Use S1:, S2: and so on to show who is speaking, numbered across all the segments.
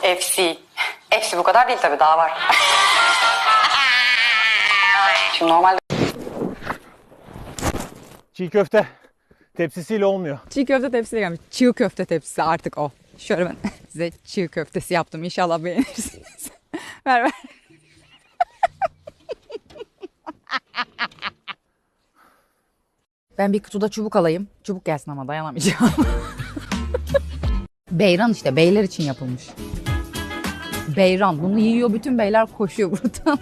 S1: FC. FC bu kadar değil tabii, daha var. Şimdi normalde...
S2: Çiğ köfte tepsisiyle olmuyor.
S3: Çiğ köfte tepsiyle gelmiş. Çiğ köfte tepsisi artık o. Şöyle ben size çiğ köftesi yaptım. İnşallah beğenirsiniz. ver. Ben bir kutuda çubuk alayım. Çubuk gelsin ama dayanamayacağım. Beyran işte, beyler için yapılmış. Beyran. Bunu yiyor, bütün beyler koşuyor buradan.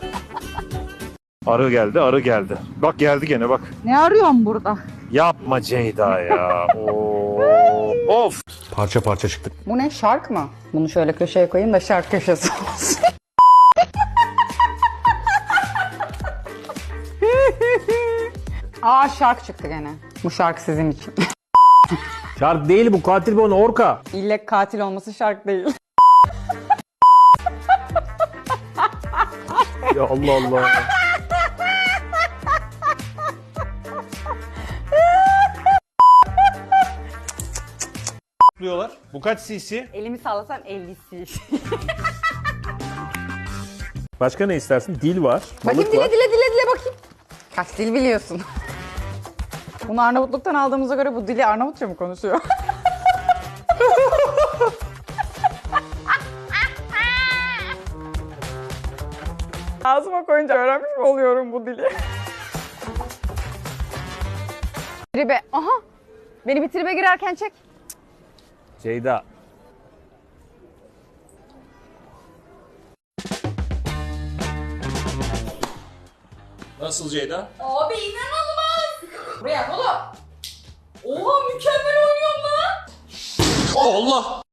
S2: Arı geldi, arı geldi. Bak geldi gene bak.
S3: Ne arıyorsun burada?
S2: Yapma Ceyda ya. Of. Parça parça çıktık.
S3: Bu ne, şark mı? Bunu şöyle köşeye koyayım da şark köşesi olsun. Aa, şark çıktı gene. Bu şark sizin için.
S2: Şark değil bu, katil bu, orka.
S3: İlle katil olması şark değil.
S2: Ya Allah Allah. Diyorlar. Bu kaç cc?
S3: Elimi sallasam 50'si.
S2: Başka ne istersin? Dil var.
S3: Bakayım,
S2: balık var.
S3: dile bakayım. Kaç dil biliyorsun? Bunu Arnavutluk'tan aldığımıza göre bu dili Arnavutça mı konuşuyor? Ağzıma koyunca öğrenmiş mi oluyorum bu dili? Tribe, aha! Beni bir tribe girerken çek.
S2: Ceyda. Nasıl Ceyda?
S4: Abi inanılmaz. Buraya oğlum. Oha, mükemmel oynuyorum lan.
S2: Allah!